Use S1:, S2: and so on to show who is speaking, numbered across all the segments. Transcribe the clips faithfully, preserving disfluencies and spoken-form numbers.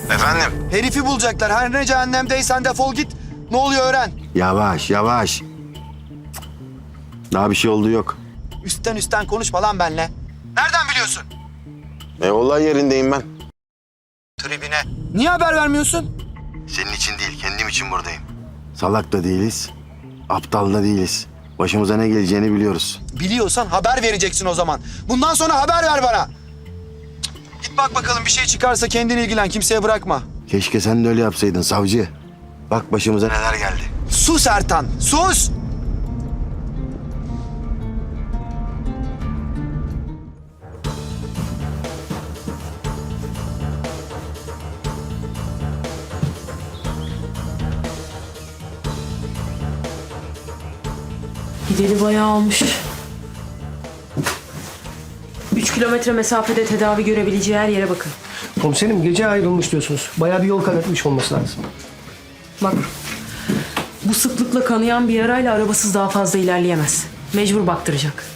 S1: Efendim?
S2: Herifi bulacaklar. Her ne cehennemdeysen defol git. Ne oluyor öğren.
S1: Yavaş yavaş. Daha bir şey olduğu yok.
S2: Üstten üstten konuşma lan benle. Nereden biliyorsun?
S1: E olay yerindeyim ben.
S2: Tribine. Niye haber vermiyorsun?
S1: Senin için değil, kendim için buradayım. Salak da değiliz, aptal da değiliz. Başımıza ne geleceğini biliyoruz.
S2: Biliyorsan haber vereceksin o zaman. Bundan sonra haber ver bana. Cık, Git bak bakalım, bir şey çıkarsa kendin ilgilen, kimseye bırakma.
S1: Keşke sen de öyle yapsaydın savcı. Bak başımıza neler geldi.
S2: Sus Ertan, sus!
S3: Gideli bayağı olmuş. Üç kilometre mesafede tedavi görebileceği her yere bakın.
S4: Komiserim gece ayrılmış diyorsunuz. Bayağı bir yol kat etmiş olması lazım.
S3: Bak, bu sıklıkla kanayan bir yarayla arabasız daha fazla ilerleyemez. Mecbur baktıracak.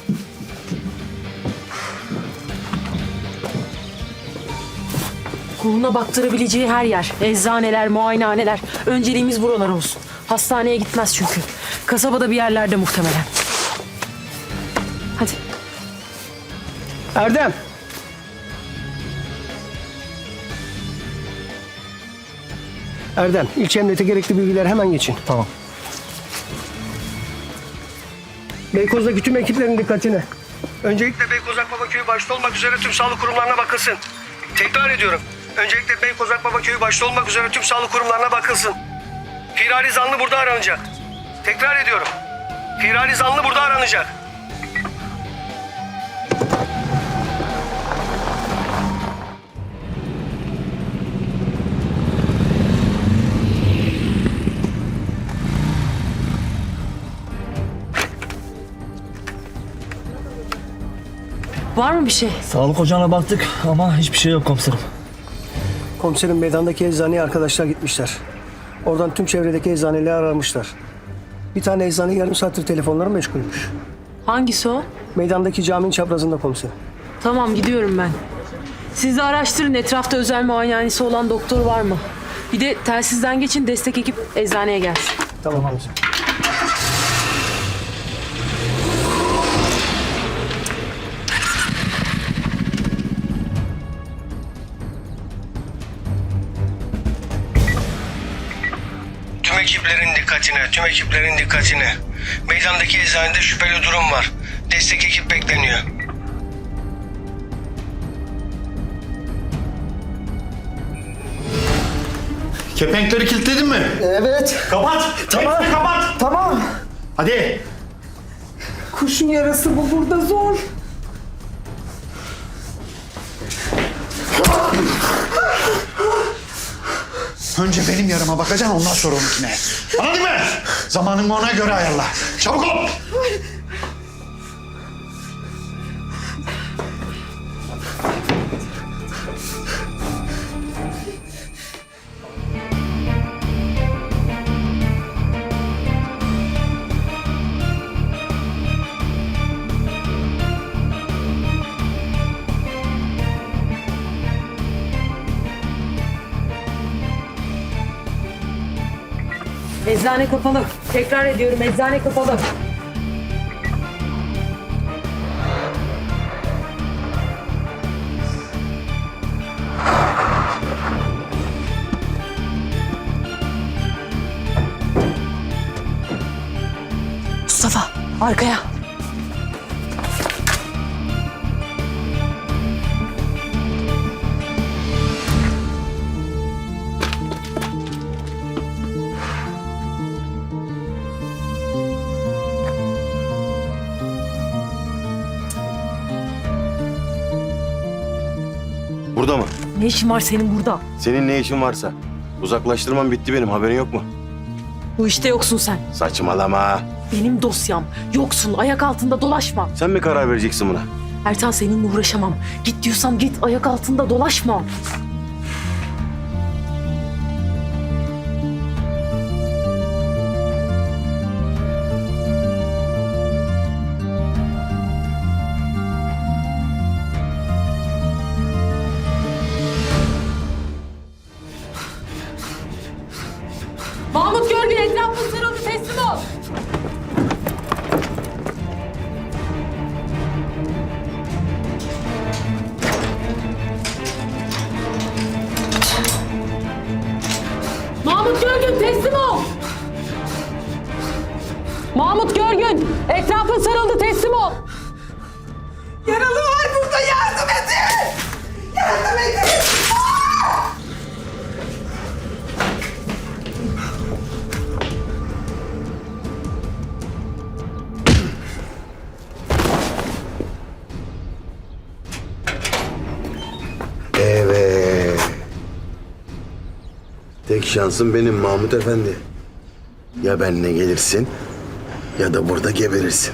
S3: Koluna baktırabileceği her yer, eczaneler, muayenehaneler. Önceliğimiz buralar olsun. Hastaneye gitmez çünkü. Kasabada bir yerlerde muhtemelen. Hadi.
S4: Erdem! Erdem, ilçe emniyete gerekli bilgiler hemen geçin. Tamam. Beykoz'daki tüm ekiplerin dikkatine. Öncelikle Beykoz Akbaba Köyü başta olmak üzere tüm sağlık kurumlarına bakılsın. Tekrar ediyorum. Öncelikle Beykoz Akbaba Köyü başta olmak üzere tüm sağlık kurumlarına bakılsın. Firari zanlı burada aranacak. Tekrar ediyorum. Firari zanlı burada aranacak.
S3: Var mı bir şey?
S5: Sağlık ocağına baktık ama hiçbir şey yok komiserim.
S4: Komiserin meydandaki eczaneye arkadaşlar gitmişler. Oradan tüm çevredeki eczaneleri aramışlar. Bir tane eczane yarım saattir telefonları meşgulmüş.
S3: Hangisi o?
S4: Meydandaki caminin çaprazında komiserim.
S3: Tamam, gidiyorum ben. Siz de araştırın, etrafta özel muayenehanesi olan doktor var mı? Bir de telsizden geçin, destek ekip eczaneye gelsin.
S4: Tamam komiserim.
S6: Tüm ekiplerin dikkatine, tüm ekiplerin dikkatine. Meydandaki eczanede şüpheli durum var. Destek ekip bekleniyor.
S7: Kepenkleri kilitledin mi?
S8: Evet.
S7: Kapat.
S8: Tamam.
S7: Hepsini kapat.
S8: Tamam.
S7: Hadi.
S8: Kurşun yarası bu burada zor.
S7: Önce benim yarıma bakacaksın, ondan sonra onunkine. Anladın mı? Zamanını ona göre ayarla. Çabuk ol.
S3: Eczane kapalı. Tekrar ediyorum, eczane kapalı. Mustafa, arkaya.
S1: Burada mı?
S3: Ne işin var senin burada?
S1: Senin ne işin varsa. Uzaklaştırmam bitti benim, haberin yok mu?
S3: Bu işte yoksun sen.
S1: Saçmalama.
S3: Benim dosyam. Yoksun, ayak altında dolaşma.
S1: Sen mi karar vereceksin buna?
S3: Ertan, seninle uğraşamam. Git diyorsam git, ayak altında dolaşma. Mahmut Görgün etrafın sarıldı, teslim ol. Mahmut Görgün teslim ol. Mahmut Görgün etrafın sarıldı, teslim ol.
S8: Yaralı var burada, yardım edin. Yardım edin.
S1: Evet. Tek şansın benim Mahmut Efendi. Ya benimle gelirsin ya da burada geberirsin.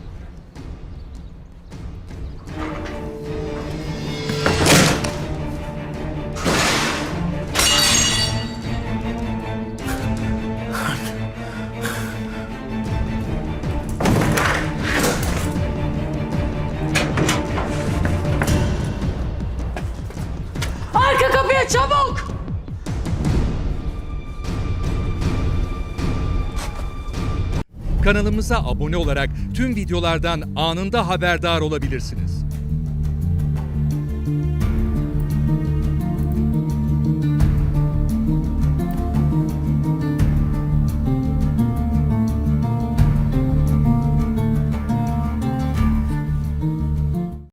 S3: Arka kapıya çabuk.
S9: Kanalımıza abone olarak tüm videolardan anında haberdar olabilirsiniz.